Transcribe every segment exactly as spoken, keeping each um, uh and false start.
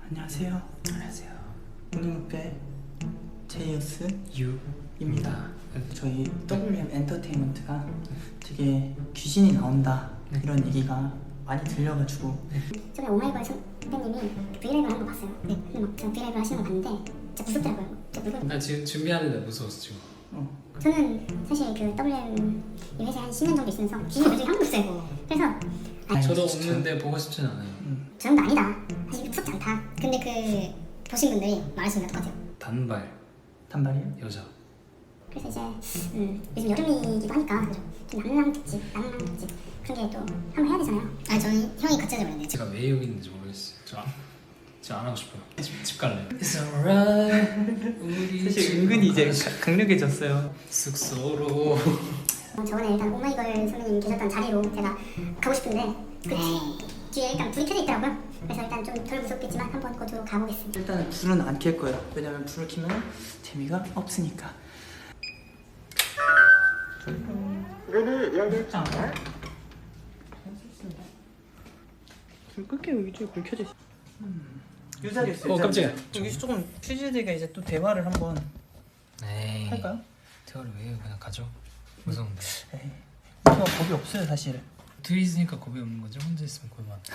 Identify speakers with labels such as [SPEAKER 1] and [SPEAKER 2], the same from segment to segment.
[SPEAKER 1] 안녕하세요.
[SPEAKER 2] 안녕하세요.
[SPEAKER 1] 운동협회 제이어스
[SPEAKER 2] 유입니다.
[SPEAKER 1] 저희 더블유엠 엔터테인먼트가 되게 귀신이 나온다
[SPEAKER 2] 네.
[SPEAKER 1] 이런 얘기가 많이 들려가지고
[SPEAKER 2] 네.
[SPEAKER 3] 저번에 오마이걸 선배님이 브이라이브를 한 거 봤어요. 네. 근데 막 저 브이라이브 하시는 거 봤는데 진짜 무섭더라고요. 진짜 무서워.
[SPEAKER 2] 나 지금 준비하는데 무서웠어 지금.
[SPEAKER 1] 어.
[SPEAKER 3] 저는 사실 그 더블유엠 이 회사에 한 십 년 정도 있으면서 귀신이 본 적이 한 번도 없어요. 그래서 아니,
[SPEAKER 2] 저도
[SPEAKER 1] 진짜.
[SPEAKER 2] 없는데 보고 싶진 않아요.
[SPEAKER 1] 음.
[SPEAKER 3] 저 정도 아니다. 사실 무섭지 않다. 근데 그 보신 분들이 말하시는 것 같아요.
[SPEAKER 2] 단발
[SPEAKER 1] 단발이에요?
[SPEAKER 2] 여자.
[SPEAKER 3] 그래서 이제 음, 요즘 여름이기도 하니까 그죠? 좀 낭랑 특집, 낭랑 특집 그런 게 또 한번 해야 되잖아요. 아니 저는 형이 같이 하자 그랬는데
[SPEAKER 2] 제가 왜 여기 있는지 모르겠어요. 저, 안- 저 안 하고 싶어요. 집, 집 갈래요. It's alright. 우리
[SPEAKER 1] 사실
[SPEAKER 2] 집
[SPEAKER 1] 은근히 이제
[SPEAKER 2] 가자.
[SPEAKER 1] 가- 강력해졌어요.
[SPEAKER 2] 숙소로.
[SPEAKER 3] 어, 저번에 일단 오마이걸 선배님 계셨던 자리로 제가 가고 싶은데 그 뒤, 뒤에 일단 불이 켜져 있더라고요. 그래서 일단 좀 덜 무섭겠지만 한번 그쪽으로 가보겠습니다.
[SPEAKER 1] 일단은 불은 안 켤 거예요. 왜냐면 불을 켜면 재미가 없으니까.
[SPEAKER 3] 문이 열렸다.
[SPEAKER 1] 불 끌게요. 여기 쪽에 불 켜져 있어. 음. 이 자리에 있어요.
[SPEAKER 2] 어,
[SPEAKER 1] 이 자리에.
[SPEAKER 2] 깜짝이야.
[SPEAKER 1] 여기 조금 퓨즈들과 이제 또 대화를 한번
[SPEAKER 2] 에이.
[SPEAKER 1] 할까요?
[SPEAKER 2] 대화를 왜 해요? 그냥 가죠. 무서운데.
[SPEAKER 1] 에이. 저가 겁이 없어요 사실.
[SPEAKER 2] 둘이 있으니까 겁이 없는 거죠. 혼자 있으면 겁이 많아.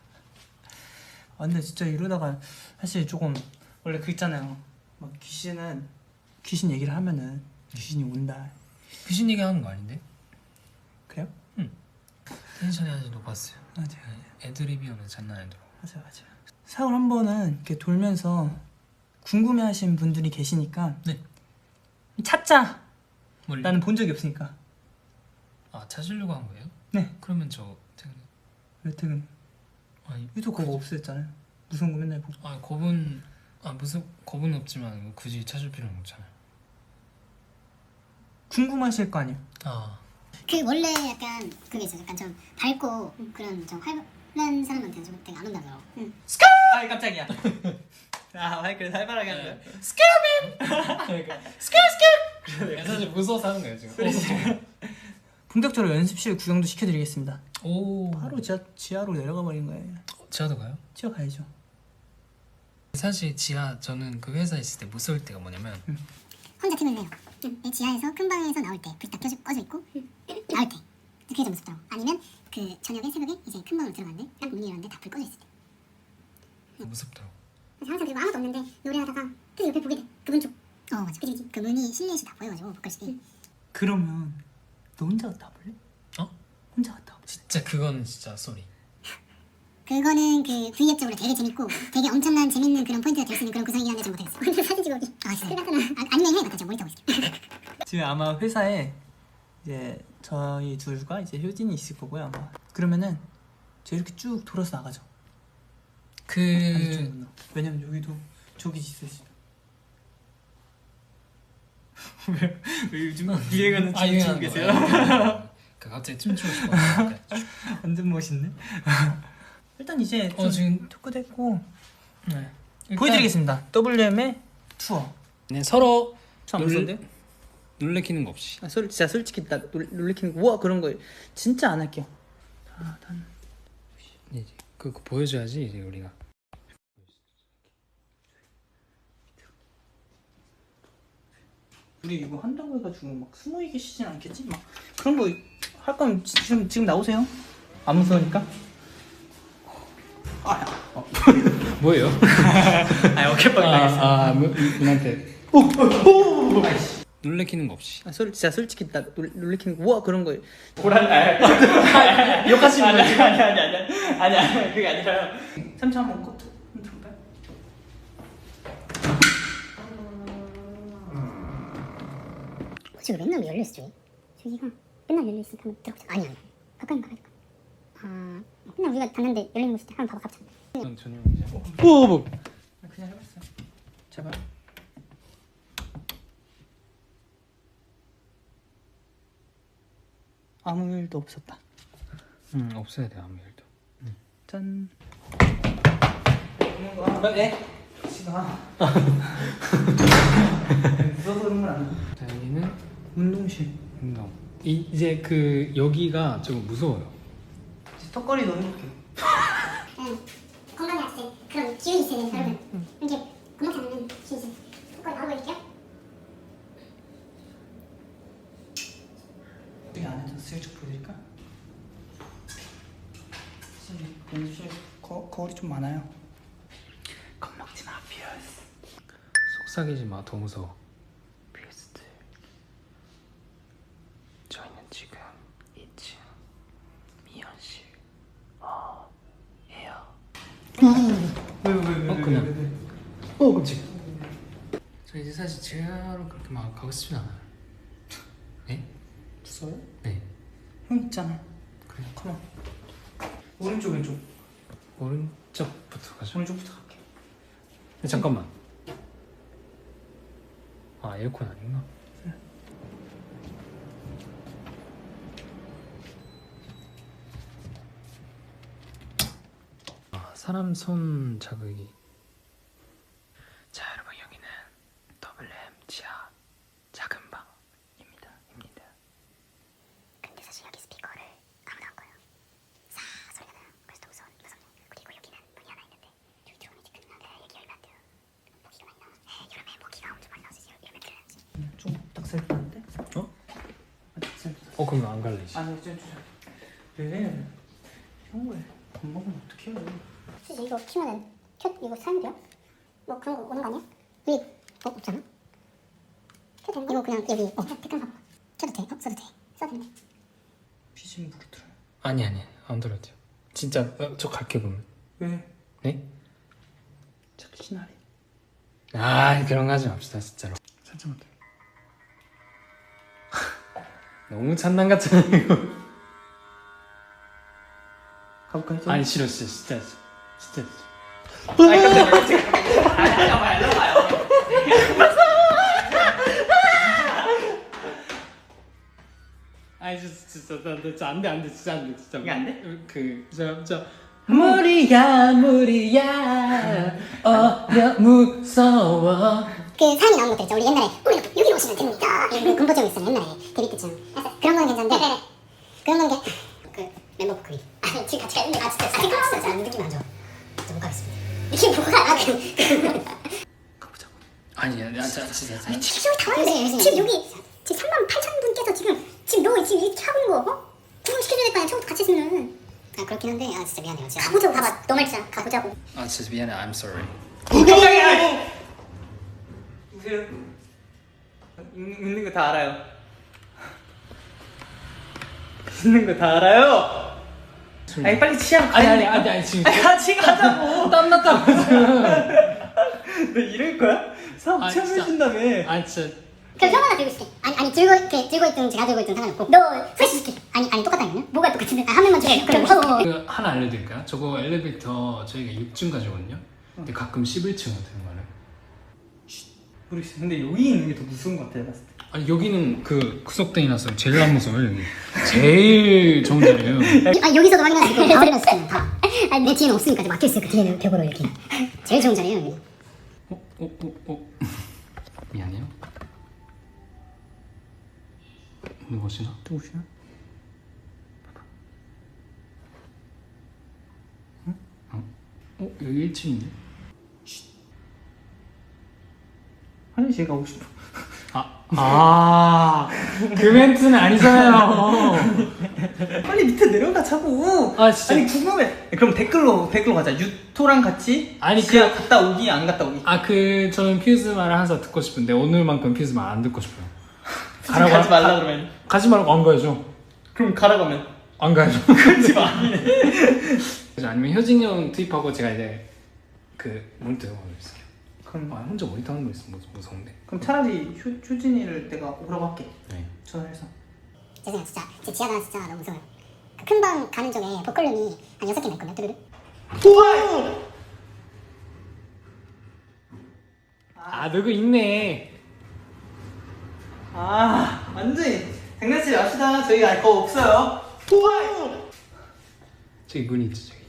[SPEAKER 1] 아 근데 진짜 이러다가 사실 조금 원래 그 있잖아요. 막 귀신은 귀신 얘기를 하면은 귀신이 온다.
[SPEAKER 2] 귀신 얘기하는 거 아닌데?
[SPEAKER 1] 그래요?
[SPEAKER 2] 텐션이 아주 높았어요.
[SPEAKER 1] 맞아요.
[SPEAKER 2] 애드립이오는 장난 아니더라고.
[SPEAKER 1] 맞아요, 맞아요. 사월 한 번은 이렇게 돌면서 궁금해하시는 분들이 계시니까
[SPEAKER 2] 네.
[SPEAKER 1] 찾자.
[SPEAKER 2] 뭘?
[SPEAKER 1] 나는 본 적이 없으니까.
[SPEAKER 2] 아 찾으려고 한 거예요?
[SPEAKER 1] 네.
[SPEAKER 2] 그러면 저 퇴근.
[SPEAKER 1] 왜 퇴근?
[SPEAKER 2] 아니,
[SPEAKER 1] 유도 그거 없었잖아요. 무서운 거 맨날 보고.
[SPEAKER 2] 아 겁은 아 무슨 겁은 없지만 뭐 굳이 찾을 필요는 없잖아요.
[SPEAKER 1] 궁금하실 거 아니에요.
[SPEAKER 2] 아
[SPEAKER 3] 그 원래 약간 그게 있어요. 약간 좀 밝고 그런 좀 활발한 사람한테는 좀 되게 안 온다더라고. 응.
[SPEAKER 1] 아 깜짝이야. 아 마이크를 살벌하게 하는 거야.
[SPEAKER 2] 그러니까 사실 무서워서 하는 거예요 지금.
[SPEAKER 1] 본격적으로 연습실 구경도 시켜드리겠습니다.
[SPEAKER 2] 오
[SPEAKER 1] 바로 지하, 지하로 내려가 버린 거예요.
[SPEAKER 2] 지하도 가요?
[SPEAKER 1] 지하 가야죠.
[SPEAKER 2] 사실 지하 저는 그 회사에 있을 때 무서울 때가 뭐냐면
[SPEAKER 3] 혼자 팀을 내요. 응. 지하에서 큰 방에서 나올 때 불이 딱 켜져 꺼져 있고 나올 때 그게 좀 무섭더라고. 아니면 그 저녁에 새벽에 이제 큰 방으로 들어갔는데 딱 문이 열었는데 다 불 꺼져 있을 때.
[SPEAKER 2] 무섭더라고.
[SPEAKER 3] 그래서 항상 그리고 아무도 없는데 노래하다가 그 옆에 보게 돼. 그분 쪽. 어 맞아. 그치 그치. 그 문이 실내에서 다 보여가지고 보컬실이.
[SPEAKER 1] 그러면 너 혼자 갔다 와볼래?
[SPEAKER 2] 어?
[SPEAKER 1] 혼자 갔다 와볼래?
[SPEAKER 2] 진짜 그거는 진짜 쏘리.
[SPEAKER 3] 그거는 그 V앱적으로 되게 재밌고 되게 엄청난 재밌는 그런 포인트가 될 수 있는 그런 구성이긴 한데 잘 못하겠어. 혼자 사진 찍어오기. 아 진짜. 끝났구나. 아, 아니면 해. 맞다. 제가 모니터 보고 있을게.
[SPEAKER 1] 지금 아마 회사에 이제 저희 둘과 이제 효진이 있을 거고요 아마. 그러면은 저 이렇게 쭉 돌아서 나가죠.
[SPEAKER 2] 그
[SPEAKER 1] 반대쪽으로. 왜냐면 여기도 저기 있을 수. 왜, 왜 요즘 유행하는
[SPEAKER 2] 아,
[SPEAKER 1] 춤 추고
[SPEAKER 2] 유행하는
[SPEAKER 1] 계세요?
[SPEAKER 2] 거예요. 그 갑자기 춤추고 싶어.
[SPEAKER 1] 완전 멋있네. 일단 이제 좀
[SPEAKER 2] 어 지금
[SPEAKER 1] 토크도 했고
[SPEAKER 2] 네.
[SPEAKER 1] 보여드리겠습니다. 더블유엠의 투어.
[SPEAKER 2] 네 서로
[SPEAKER 1] 참
[SPEAKER 2] 놀-
[SPEAKER 1] 무서운데?
[SPEAKER 2] 놀래키는 거 없이.
[SPEAKER 1] 아, 솔, 진짜 솔직히 나 놀, 놀래키는 거 우와 그런 거 진짜 안 할게요. 아, 단.
[SPEAKER 2] 이제 그거 보여줘야지 이제 우리가.
[SPEAKER 1] 우리 이거 한다고 해가지고 막 숨어 계시진 않겠지? 막 그런 거 할 거면 지- 지금 지금 나오세요. 안 무서우니까. 아야. 어.
[SPEAKER 2] 뭐예요?
[SPEAKER 1] 아 어깨빵 당했어.
[SPEAKER 2] 아, 뭐, 분한테
[SPEAKER 1] 오. 아이씨.
[SPEAKER 2] 놀래키는 거 없이.
[SPEAKER 1] 아, 솔, 진짜 솔직히 나 놀, 놀래키는 거 우와 그런 거. 보란 아. 욕하시는 거 아니 아니 아니 아니 아니 아니 그게 아니라요. 삼촌 한번 컷 한번 들어볼까요?
[SPEAKER 3] 혹시 맨날 열려 있어? 저기가 맨날 열려 있으니까 한번 들어보자. 아니 아니. 가까이 가까이. 아 맨날 우리가 갔는데 열리는 곳일 때 한번 봐봐 갑자기.
[SPEAKER 2] 전 전용이죠.
[SPEAKER 1] 오 뭐. 그냥 해봤어요. 제발. 아무 일도 없었다.
[SPEAKER 2] 응 없어야 돼 아무 일도.
[SPEAKER 1] 짠. 있는 거. 네. 시가. 무서워서 그런 건 아니야.
[SPEAKER 2] 자 여기는
[SPEAKER 1] 운동실.
[SPEAKER 2] 운동. 이 이제 그 여기가 조금 무서워요.
[SPEAKER 1] 턱걸이도 해볼게.
[SPEAKER 3] 응. 건강에 아직 그런 기운이 있어야 되니까 여러분 이렇게 겁먹지 않으면 기운이 있어요. 그걸 나오고 있게요.
[SPEAKER 1] 여기 안에서 슬쩍 보여드릴까? 연습실 거, 거울이 좀 많아요. 겁먹지 마, 피어스.
[SPEAKER 2] 속삭이지 마, 더 무서워. 피어스들. 저희는 지금 이 층 미연실 어 해요.
[SPEAKER 1] 왜왜왜왜
[SPEAKER 2] 어, 그냥. 어 깜짝이야. 저 이제 사실 지하로 그렇게 막 가고 싶진 않아요. 네?
[SPEAKER 1] 무서워요?
[SPEAKER 2] 네.
[SPEAKER 1] 형 있잖아.
[SPEAKER 2] 그래.
[SPEAKER 1] 컴온. 오른쪽 왼쪽.
[SPEAKER 2] 오른쪽부터 가죠.
[SPEAKER 1] 오른쪽부터 갈게.
[SPEAKER 2] 근데 잠깐만. 아 에어컨 아닌가? 아 사람 손 자극이. 자 여러분 여기는 더블 엠 지하 작은 방입니다. 입니다.
[SPEAKER 3] 근데 사실 여기 스피커를 아무나 안 꺼요. 사 소리가 나요. 그래서 더 무서운 무섭네. 그리고 여기는 문이 하나 있는데 여기 들어오면 이제 끝나. 네, 얘기 열면 안 돼요. 모기가 많이 나와. 네, 여름에 모기가 엄청 많이 나와서 열면 큰일 나지.
[SPEAKER 1] 좀딱 살펴는데?
[SPEAKER 2] 어?
[SPEAKER 1] 아, 딱 살펴.
[SPEAKER 2] 어 그럼 안 갈래 이제.
[SPEAKER 1] 아니 좀 주세요. 왜? 형을 겁먹으면 어떡해요?
[SPEAKER 3] 사실 이거 키면은 켜 이거 사면 돼요? 뭐 그런 거 오는 거 아니야? 여기 어 없잖아. 켜도 되는 거? 이거 그냥 여기 어 댓글 봐봐. 켜도 돼? 어 써도 돼? 써도 되네.
[SPEAKER 1] 피심 부르더라.
[SPEAKER 2] 아니 아니 안 들어도 돼요. 진짜 어, 저 갈게 보면.
[SPEAKER 1] 왜?
[SPEAKER 2] 네?
[SPEAKER 1] 자꾸 신나래.
[SPEAKER 2] 아 그런 거 하지 맙시다 진짜로. 살짝만 더. 너무 장난 같잖아 이거.
[SPEAKER 1] 가볼까 이제?
[SPEAKER 2] 아니 싫어 진짜 진짜 진짜.
[SPEAKER 1] 아니 깜짝이야 깜짝이야. 아니 아니 봐요 일로 봐요.
[SPEAKER 2] 아니 진짜 진짜 나 진짜 안돼 안돼 진짜 안돼 진짜.
[SPEAKER 1] 이게 안 돼?
[SPEAKER 2] 그저저 무리야 무리야 어려 무서워.
[SPEAKER 3] 그 사연이 나오는 것들 있죠. 우리 옛날에 우리 여기로 오시면 됩니다. 이런 공포증 있어요. 옛날에 데뷔 때쯤. 그런 거는 괜찮은데 그런 건 게 그 멤버곡 그리. 아니 지금 같이 가는데 아 진짜 아 진짜 진짜 느낌 안 좋아. 진짜 못 가겠습니다. 느낌 뭐가? 아 그.
[SPEAKER 2] 가보자고. 아니 아니 진짜 진짜.
[SPEAKER 3] 아니 지금 다 왔는데 지금 여기 지금 삼만 팔천 분께서 지금 지금 너 지금 이렇게 하고 있는 거 어? 구분 시켜줘야 될 거 아니야. 처음부터 같이 했으면. 아 그렇긴 한데 아 진짜 미안해요. 진짜. 가보자고 봐봐. 너 말이잖아. 가보자고.
[SPEAKER 2] 아 진짜 미안해. I'm sorry.
[SPEAKER 1] 깜짝이야. 보세요. 있는, 있는 거 다 알아요. 있는 거 다 알아요. 아니 빨리 치아
[SPEAKER 2] 아니 아니 아니 아니 지금
[SPEAKER 1] 같이 가자고.
[SPEAKER 2] 땀났다고 지금.
[SPEAKER 1] 너 이럴 거야? 사업
[SPEAKER 2] 아니,
[SPEAKER 1] 처음
[SPEAKER 2] 진짜.
[SPEAKER 1] 해준다며.
[SPEAKER 2] 아 진짜.
[SPEAKER 3] 그럼 형 하나 들고 있을게. 아니 아니 들고 이렇게 들고 있든 제가 들고 있든 상관없고. 너 프레시 줄게. 아니 아니 똑같다면요? 뭐가 똑같은데? 아, 한 명만 줄게. 그럼 어.
[SPEAKER 2] 그 하나 알려드릴까요? 저거 엘리베이터 저희가 육 층까지거든요. 근데 가끔 십일 층 되는 거예요.
[SPEAKER 1] 모르겠어. 근데 여기 있는 게 더 무서운 것 같아 봤을 때.
[SPEAKER 2] 아니 여기는 그 구석탱이라서 제일 안 무서워요 여기. 제일 좋은 자리예요.
[SPEAKER 3] 아 여기서도 확인할 수 있고 다 확인할 수 있어요. 다. 아니 내 뒤에는 없으니까 막혀 있어요. 그 뒤에는 벽으로 이렇게. 제일 좋은 자리예요 여기.
[SPEAKER 2] 어? 어? 어? 어? 미안해요. 누구시나?
[SPEAKER 1] 누구시나?
[SPEAKER 2] 어? 어? 여기 일 층인데?
[SPEAKER 1] 화장실 가고 싶어.
[SPEAKER 2] 아, 아, 그 멘트는 아니잖아요.
[SPEAKER 1] 빨리 밑에 내려가 자고.
[SPEAKER 2] 아, 진짜.
[SPEAKER 1] 아니 궁금해. 그럼 댓글로 댓글로 가자. 유토랑 같이
[SPEAKER 2] 아니,
[SPEAKER 1] 지하
[SPEAKER 2] 그-
[SPEAKER 1] 갔다 오기 안 갔다 오기.
[SPEAKER 2] 아, 그 저는 퓨즈 말을 항상 듣고 싶은데 오늘만큼 퓨즈 말 안 듣고 싶어요.
[SPEAKER 1] 가라고 가지 말라 그러면.
[SPEAKER 2] 가지 말고 안 가야죠.
[SPEAKER 1] 그럼 가라고 하면.
[SPEAKER 2] 안 가야죠.
[SPEAKER 1] 그렇지 마.
[SPEAKER 2] 아니면 효진이 형 투입하고 제가 이제 그 모니터 하고 있을게요.
[SPEAKER 1] 그럼
[SPEAKER 2] 아, 혼자 모니터 하는 거 있으면 무- 무서운데.
[SPEAKER 1] 그럼 차라리 효, 효진이를 내가 오라고 할게.
[SPEAKER 2] 네.
[SPEAKER 1] 전화해서.
[SPEAKER 3] 죄송해요 진짜 제 지하가 진짜 너무 무서워요. 그 큰 방 가는 쪽에 보컬룸이 한 여섯 개나 있거든요. 뚜루루.
[SPEAKER 1] 우와!
[SPEAKER 2] 아, 누구 있네.
[SPEAKER 1] 아 완전히 장난치지 맙시다. 저희가 알 거 없어요. 우와!
[SPEAKER 2] 저기 문이 있죠, 저기.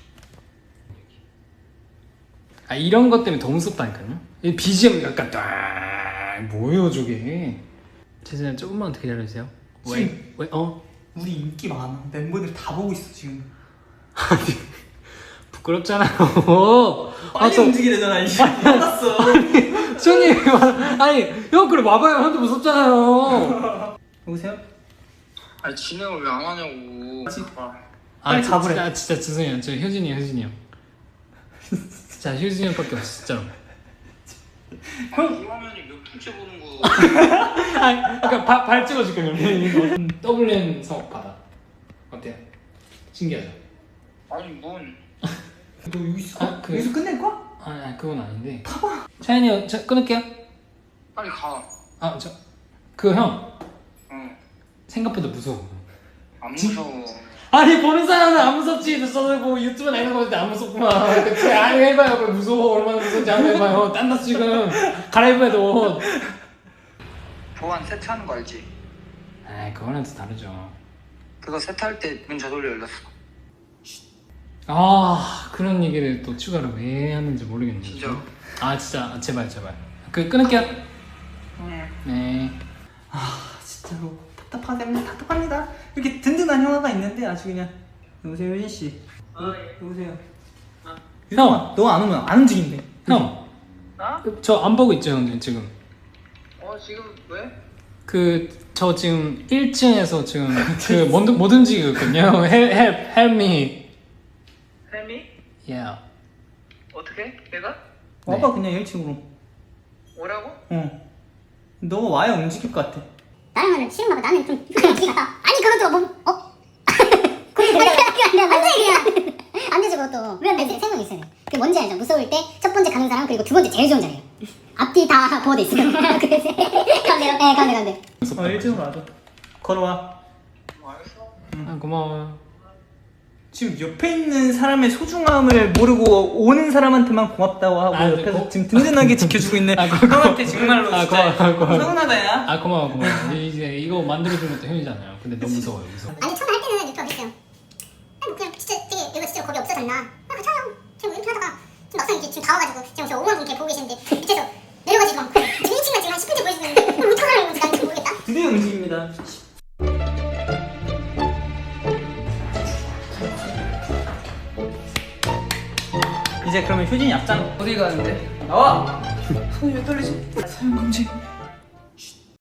[SPEAKER 2] 아, 이런 것 때문에 더 무섭다니까요. 이 비지엠 약간 딱 뭐예요, 저게? 죄송해요, 조금만 더 기다려주세요. 왜?
[SPEAKER 1] 지금-
[SPEAKER 2] 왜? 어?
[SPEAKER 1] 우리 인기 많아. 멤버들 다 보고 있어 지금.
[SPEAKER 2] 부끄럽잖아요.
[SPEAKER 1] 빨리
[SPEAKER 2] 저-
[SPEAKER 1] 움직이래잖아. 이씨. 화났어.
[SPEAKER 2] 수현님 아니 형 그래 와봐요. 형도 무섭잖아요.
[SPEAKER 1] 여보세요?
[SPEAKER 4] 아니 진행을 왜 안 하냐고.
[SPEAKER 1] 빨리
[SPEAKER 2] 진-
[SPEAKER 1] 가보래.
[SPEAKER 2] 진짜, 진짜 죄송해요. 저 효진이 효진이 형. 진짜 효진이 형밖에 없어 진짜로.
[SPEAKER 4] 형 이 화면이 몇 분째 보는 거.
[SPEAKER 2] 아니 그러니까 바, 발 찍어줄게 그러면. 더블랜 사업 받아. 어때요? 신기하죠?
[SPEAKER 4] 아니 뭔.
[SPEAKER 1] 너 여기서,
[SPEAKER 2] 아, 그-
[SPEAKER 1] 여기서 끝낼 거야?
[SPEAKER 2] 아니, 아니 그건 아닌데. 봐봐. 차연이 저 끊을게요.
[SPEAKER 4] 빨리 가.
[SPEAKER 2] 아 저 그 형
[SPEAKER 4] 응.
[SPEAKER 2] 생각보다 무서워.
[SPEAKER 4] 안 무서워.
[SPEAKER 2] 아니 보는 사람은 안 무섭지. 저는 뭐 유튜브 나이는 건데 안 무섭구만. 그치? 아니 해봐요. 그래 무서워. 얼마나 무서운지 한번 해봐요. 딴다 지금 갈아입어야 돼 옷.
[SPEAKER 4] 보안 세트하는 거 알지?
[SPEAKER 2] 아 그거랑 또 다르죠.
[SPEAKER 4] 그거 세트할 때 문 저절로 열렸어.
[SPEAKER 2] 아 그런 얘기를 또 추가로 왜 하는지 모르겠네요.
[SPEAKER 4] 진짜?
[SPEAKER 2] 아 진짜 아, 제발 제발. 그 끊을게요.
[SPEAKER 4] 응.
[SPEAKER 2] 네.
[SPEAKER 1] 아 진짜로 답답하답니다. 답답합니다. 이렇게 든든한 형아가 있는데 아주 그냥. 여보세요 효진 씨.
[SPEAKER 4] 아 예.
[SPEAKER 1] 여보세요.
[SPEAKER 4] 아.
[SPEAKER 1] 형, 너 안 오면 안 움직인대.
[SPEAKER 2] 형.
[SPEAKER 4] 나?
[SPEAKER 2] 저 안 보고 있죠 형님 지금.
[SPEAKER 4] 어 지금 왜?
[SPEAKER 2] 그 저 지금 일 층에서 지금 그못 못 움직이거든요. Help help help me.
[SPEAKER 4] 혜미?
[SPEAKER 2] Yeah.
[SPEAKER 4] 어떻게? 내가?
[SPEAKER 1] 와봐 그냥 일 층으로.
[SPEAKER 4] 오라고?
[SPEAKER 1] 어. 너가 와야 움직일 것 같아.
[SPEAKER 3] 다른 거는 싫은가 봐. 나는 좀 그냥 기가 아니 그것도 뭐 어? 그게 아니라 안돼 그냥 안 되지 그것도. 왜 안 되지? 생각이 있어요. 그 뭔지 알죠? 무서울 때 첫 번째 가는 사람 그리고 두 번째 제일 좋은 자리예요. 앞뒤 다 보호돼 있어요. 그래서 가운데로 네 가운데 가운데.
[SPEAKER 1] 어, 일 층으로 와줘. 걸어와.
[SPEAKER 4] 뭐 알겠어.
[SPEAKER 2] 아 고마워요.
[SPEAKER 1] 지금 옆에 있는 사람의 소중함을 모르고 오는 사람한테만 고맙다고 하고
[SPEAKER 2] 아,
[SPEAKER 1] 옆에서
[SPEAKER 2] 고-
[SPEAKER 1] 지금 든든하게 지켜주고 있는
[SPEAKER 2] 아, 고-
[SPEAKER 1] 형한테 정말로
[SPEAKER 2] 아,
[SPEAKER 1] 진짜
[SPEAKER 2] 고마워, 고마워.
[SPEAKER 1] 서운하다 야.
[SPEAKER 2] 아 고마워 고마워. 이제 이거 만들어준 것도 형이잖아요. 근데 너무 무서워요. 무서워.
[SPEAKER 3] 아니 처음에 할 때는 이렇게 어딨어요. 아니 뭐 그냥 진짜 되게 이거 진짜 겁이 없어졌나? 아 괜찮아요. 지금 이렇게 하다가 지금 막상 이렇게 지금 다 와가지고 지금 저 오만 분 이렇게 보고 계시는데 밑에서 내려가지고 막 지금 일 층만 지금 한 십 분째 보여주고 있는데 이걸 어떡하라는 건지 나는 잘 모르겠다.
[SPEAKER 1] 드디어 움직입니다. 이제 그러면 효진이 앞장 어디 가는데? 나와! 손이 왜 떨리지? 사용 금지.